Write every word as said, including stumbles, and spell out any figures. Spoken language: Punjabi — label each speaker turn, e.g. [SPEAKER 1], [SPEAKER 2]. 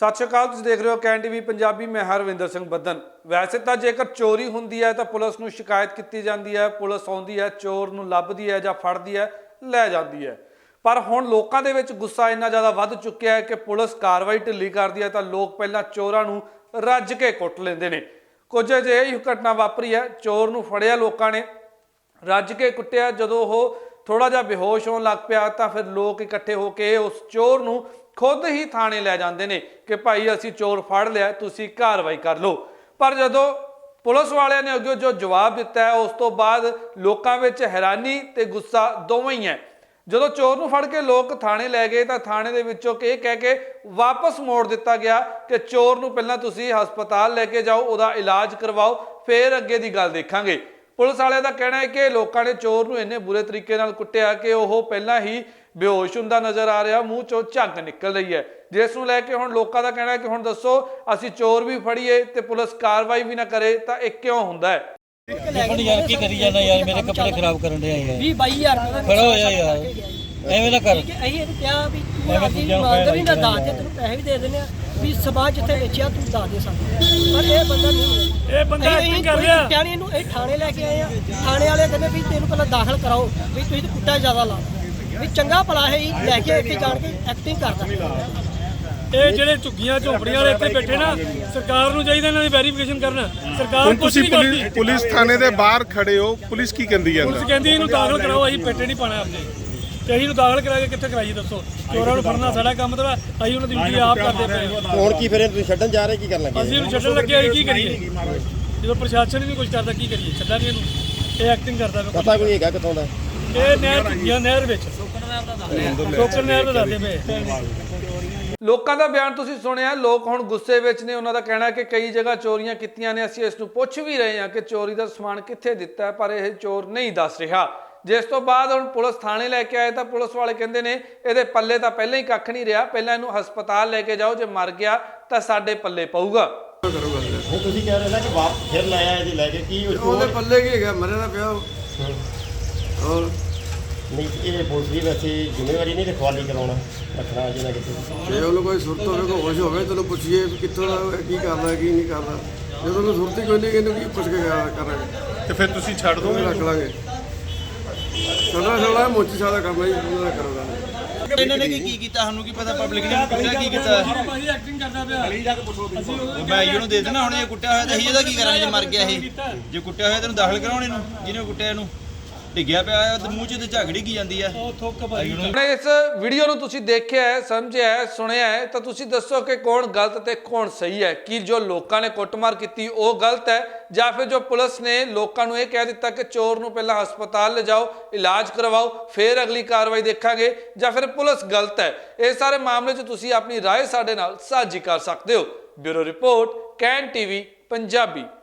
[SPEAKER 1] सत श्री अकाल, तुसीं देख रहे हो कैन टीवी पंजाबी। मैं हरविंदर सिंह बदन। वैसे तो जेकर चोरी हुंदी है तो पुलिस नूं शिकायत की जाती है, पुलिस आउंदी है, चोर नूं लभदी है जां फड़दी है, लै जाती है। पर हुण लोकां दे विच गुस्सा इन्ना ज़्यादा वध चुक्या है कि पुलिस कार्रवाई ढिल्ली करदी है तो लोग पहलां चोरां नूं रज के कुट लैंदे ने। कुछ अजिही घटना वापरी है, चोर नूं फड़िया लोकां ने, रज के कुटिया। जदों ओह थोड़ा जिहा बेहोश होण लग पिया तो फिर लोग इकट्ठे होकर उस चोर नूं खुद ही थाने लै जाते हैं कि भाई असी चोर फड़ लिया, तुसी कार्रवाई कर लो। पर जदों पुलिस वालियां ने अगे जो जवाब दिता है, उस तो बाद लोकां विच हैरानी ते गुस्सा दोवें ही है। जदों चोर नूं फड़ के लोग थाने लै गए तो थाने दे विचों ये कह के वापस मोड़ दिता गया कि चोर नूं पहलां तुसी हस्पताल लैके जाओ, उहदा इलाज करवाओ, फिर अगे दी गल देखांगे। पुलिस वालियां दा कहना है कि लोगों ने चोर नूं इन्ने बुरे तरीके नाल कुट्टिया कि वह पहलां ही बेहोश हुंदा नज़र आ रहा, मूँह चों झग निकल रही है, जिस नूं लैके हुण लोकां दा कहना है कि हुण दसो असीं चोर भी फड़ीए ते पुलिस कार्रवाई भी ना करे तो ये क्यों हुंदा है।
[SPEAKER 2] यार की करी जाना यार, मेरे कपड़े खराब करन दे यार।
[SPEAKER 3] बीस बाईस हज़ार
[SPEAKER 2] खड़ा हो जा यार, एवें ना कर।
[SPEAKER 3] ਅਸੀਂ ਇਹਨੂੰ ਕਿਹਾ ਵੀ ਤੂੰ ਆਪਣੀ ਇਮਾਨਦਾਰੀ ਨਾਲ ਦੱਸ ਦੇ, ਤੈਨੂੰ ਪੈਸੇ ਵੀ ਦੇ ਦਿੰਦੇ ਆ ਵੀ ਸਮਾਜ ਜਿੱਥੇ ਵੇਚਿਆ ਤੂੰ ਦੱਸ ਦੇ ਸਾਨੂੰ। ਪਰ ਇਹ ਬੰਦਾ ਨਹੀਂ, ਇਹ ਬੰਦਾ ਐਕਟਿੰਗ ਕਰ ਰਿਹਾ। ਟਿਆਣੀ ਨੂੰ ਇਹ ਥਾਣੇ ਲੈ ਕੇ ਆਏ ਆ, ਥਾਣੇ ਵਾਲੇ ਕਹਿੰਦੇ ਵੀ ਤੈਨੂੰ ਪਹਿਲਾਂ ਦਾਖਲ ਕਰਾਓ ਵੀ ਤੁਸੀਂ ਤਾਂ ਕੁੱਟਾ ਜ਼ਿਆਦਾ ਲਾ ਵੀ ਚੰਗਾ ਭਲਾ ਹੈ ਹੀ ਲੈ ਕੇ ਇੱਥੇ ਜਾਣ ਕੇ ਐਕਟਿੰਗ ਕਰਦਾ।
[SPEAKER 4] ਇਹ ਜਿਹੜੇ ਝੁੱਗੀਆਂ ਝੋਪੜੀਆਂ ਵਾਲੇ ਇੱਥੇ ਬੈਠੇ ਨਾ, ਸਰਕਾਰ ਨੂੰ ਚਾਹੀਦਾ ਇਹਨਾਂ ਦੀ ਵੈਰੀਫਿਕੇਸ਼ਨ ਕਰਨਾ। ਸਰਕਾਰ ਕੁਝ ਨਹੀਂ ਕਰਦੀ।
[SPEAKER 5] ਪੁਲਿਸ ਥਾਣੇ ਦੇ ਬਾਹਰ ਖੜੇ ਹੋ, ਪੁਲਿਸ ਕੀ ਕਹਿੰਦੀ ਹੈ?
[SPEAKER 4] ਪੁਲਿਸ ਕਹਿੰਦੀ ਇਹਨੂੰ ਦਾਖਲ ਕਰਾਓ, ਅਸੀਂ ਪੇਟੇ ਨਹੀਂ ਪਾਣਾ ਆਪਣੇ ਤੇ ਅਸੀਂ ਨੂੰ ਦਾਖਲ ਕਰਾ ਕੇ ਕਿੱਥੇ ਕਰਾਈਏ ਦੱਸੋ। ਚੋਰਾਂ ਨੂੰ ਫੜਨਾ ਸਾਡਾ ਕੰਮ ਤਾਂ ਅਸੀਂ ਉਹਨਾਂ ਦੀ ਡਿਊਟੀ ਆਪ ਕਰਦੇ ਪਏ।
[SPEAKER 6] ਹੁਣ ਕੀ ਫਿਰ ਤੁਸੀਂ ਛੱਡਣ ਜਾ ਰਹੇ, ਕੀ ਕਰਨ ਲੱਗੇ?
[SPEAKER 4] ਅਸੀਂ ਇਹਨੂੰ ਛੱਡਣ ਲੱਗੇ, ਅਸੀਂ ਕੀ ਕਰੀਏ ਜਦੋਂ ਪ੍ਰਸ਼ਾਸਨ ਨਹੀਂ ਕੁਝ ਕਰਦਾ, ਕੀ ਕਰੀਏ? ਛੱਡਾਂਗੇ ਇਹਨੂੰ, ਇਹ ਐਕਟਿੰਗ ਕਰਦਾ।
[SPEAKER 6] ਪਤਾ ਕੋਈ ਹੈਗਾ ਕਿੱਥੋਂ ਦਾ?
[SPEAKER 4] ਇਹ ਨਹਿਰ ਝੁੱਗੀਆਂ ਨਹਿਰ ਵਿੱਚ ਟੋਕਰ ਨਹਿਰ ਦਾ ਦੱਸਦੇ ਪਏ।
[SPEAKER 1] ਲੋਕਾਂ ਦਾ ਬਿਆਨ ਤੁਸੀਂ ਸੁਣਿਆ, ਲੋਕ ਹੁਣ ਗੁੱਸੇ ਵਿੱਚ ਨੇ। ਉਹਨਾਂ ਦਾ ਕਹਿਣਾ ਕਿ ਕਈ ਜਗ੍ਹਾ ਚੋਰੀਆਂ ਕੀਤੀਆਂ ਨੇ, ਅਸੀਂ ਇਸ ਨੂੰ ਪੁੱਛ ਵੀ ਰਹੇ ਹਾਂ ਕਿ ਚੋਰੀ ਦਾ ਸਮਾਨ ਕਿੱਥੇ ਦਿੱਤਾ ਹੈ, ਪਰ ਇਹ ਚੋਰ ਨਹੀਂ ਦੱਸ ਰਿਹਾ। ਜਿਸ ਤੋਂ ਬਾਅਦ ਹੁਣ ਪੁਲਿਸ ਥਾਣੇ ਲੈ ਕੇ ਆਏ ਤਾਂ ਪੁਲਿਸ ਵਾਲੇ ਕਹਿੰਦੇ ਨੇ ਇਹਦੇ ਪੱਲੇ ਤਾਂ ਪਹਿਲਾਂ ਹੀ ਕੱਖ ਨਹੀਂ ਰਿਹਾ, ਪਹਿਲਾਂ ਇਹਨੂੰ ਹਸਪਤਾਲ ਲੈ ਕੇ ਜਾਓ, ਜੇ ਮਰ ਗਿਆ ਤਾਂ ਸਾਡੇ ਪੱਲੇ ਪਊਗਾ।
[SPEAKER 6] ਹੁਣ ਤੁਸੀਂ ਕਹਿ ਰਹੇ ਨਾ ਕਿ ਵਾਪ ਫਿਰ ਲਾਇਆ ਇਹਦੀ ਲੈ ਕੇ, ਕੀ
[SPEAKER 7] ਉਹਦੇ ਪੱਲੇ ਕੀ ਹੈਗਾ, ਮਰੇ ਦਾ ਪਿਆ ਹੋਰ
[SPEAKER 6] ਨਹੀਂ। ਇਹ ਪੁਲਿਸ ਦੀ ਵੈਸੇ ਜ਼ਿੰਮੇਵਾਰੀ ਨਹੀਂ ਰਖਵਾਲੀ ਕਰਾਉਣਾ ਰੱਖਣਾ ਜਿਹਨਾਂ ਕਿਤੇ
[SPEAKER 7] ਜੇ ਉਹਨੂੰ ਕੋਈ ਸੁਰਤ ਹੋਵੇ, ਕੋਈ ਹੋਸ਼ ਹੋਵੇ, ਤੈਨੂੰ ਪੁੱਛੀਏ ਵੀ ਕਿੱਥੋਂ ਦਾ, ਕੀ ਕਰਦਾ ਕੀ ਨਹੀਂ ਕਰਦਾ। ਜਦੋਂ ਉਹਨੂੰ ਸੁਰਤ ਹੀ ਕੋਈ ਨਹੀਂ, ਇਹਨੂੰ ਕੀ ਪੁੱਛ ਕੇ ਕਰਾਂਗੇ?
[SPEAKER 5] ਤੇ ਫਿਰ ਤੁਸੀਂ ਛੱਡ ਦੋਗੇ?
[SPEAKER 7] ਰੱਖ ਲਾਂਗੇ। ਸਾਡਾ ਸਾਡਾ ਮੋਚੀ ਸਾਦਾ ਕੰਮ ਹੈ ਜੀ, ਉਹਨਾਂ ਦਾ ਕਰੋਗਾ।
[SPEAKER 8] ਇਹਨਾਂ ਨੇ ਕੀ ਕੀਤਾ ਸਾਨੂੰ ਕੀ ਪਤਾ, ਪਬਲਿਕ ਨੇ ਕੁੱਟਿਆ ਕੀ ਕੀਤਾ?
[SPEAKER 4] ਭਾਈ ਐਕਟਿੰਗ ਕਰਦਾ ਪਿਆ। ਅਸੀਂ
[SPEAKER 8] ਮੈਂ ਇਹਨੂੰ ਦੇ ਦੇਣਾ ਹੁਣ, ਇਹ ਕੁੱਟਿਆ ਹੋਇਆ ਤਾਂ ਅਸੀਂ ਇਹਦਾ ਕੀ ਕਰਾਂਗੇ ਜੇ ਮਰ ਗਿਆ ਇਹ? ਜੇ ਕੁੱਟਿਆ ਹੋਇਆ ਤੈਨੂੰ ਦਾਖਲ ਕਰਾਉਣ ਇਹਨੂੰ, ਜਿਹਨੇ ਕੁੱਟਿਆ ਇਹਨੂੰ ਡਿੱਗਿਆ ਪਿਆ ਹੈ, ਮੂੰਹ 'ਚ ਤੇ ਝਗੜੀ ਕੀ ਜਾਂਦੀ ਹੈ।
[SPEAKER 4] ਉਹ ਥੁੱਕ ਭਾਈ
[SPEAKER 1] ਇਸ ਵੀਡੀਓ ਨੂੰ ਤੁਸੀਂ ਦੇਖਿਆ ਹੈ, ਸਮਝਿਆ ਹੈ, ਸੁਣਿਆ ਹੈ ਤਾਂ ਤੁਸੀਂ ਦੱਸੋ ਕਿ ਕੌਣ ਗਲਤ ਤੇ ਕੌਣ ਸਹੀ ਹੈ। ਕੀ ਜੋ ਲੋਕਾਂ ਨੇ ਕੁੱਟਮਾਰ ਕੀਤੀ ਉਹ ਗਲਤ ਹੈ, ਜਾਂ ਫਿਰ ਜੋ ਪੁਲਿਸ ਨੇ ਲੋਕਾਂ ਨੂੰ ਇਹ ਕਹਿ ਦਿੱਤਾ ਕਿ ਚੋਰ ਨੂੰ ਪਹਿਲਾਂ ਹਸਪਤਾਲ ਲਿਜਾਓ, ਇਲਾਜ ਕਰਵਾਓ, ਫਿਰ ਅਗਲੀ ਕਾਰਵਾਈ ਦੇਖਾਂਗੇ, ਜਾਂ ਫਿਰ ਪੁਲਿਸ ਗਲਤ ਹੈ? ਇਹ ਸਾਰੇ ਮਾਮਲੇ 'ਚ ਤੁਸੀਂ ਆਪਣੀ ਰਾਏ ਸਾਡੇ ਨਾਲ ਸਾਂਝੀ ਕਰ ਸਕਦੇ ਹੋ। Bureau report, can TV Punjabi.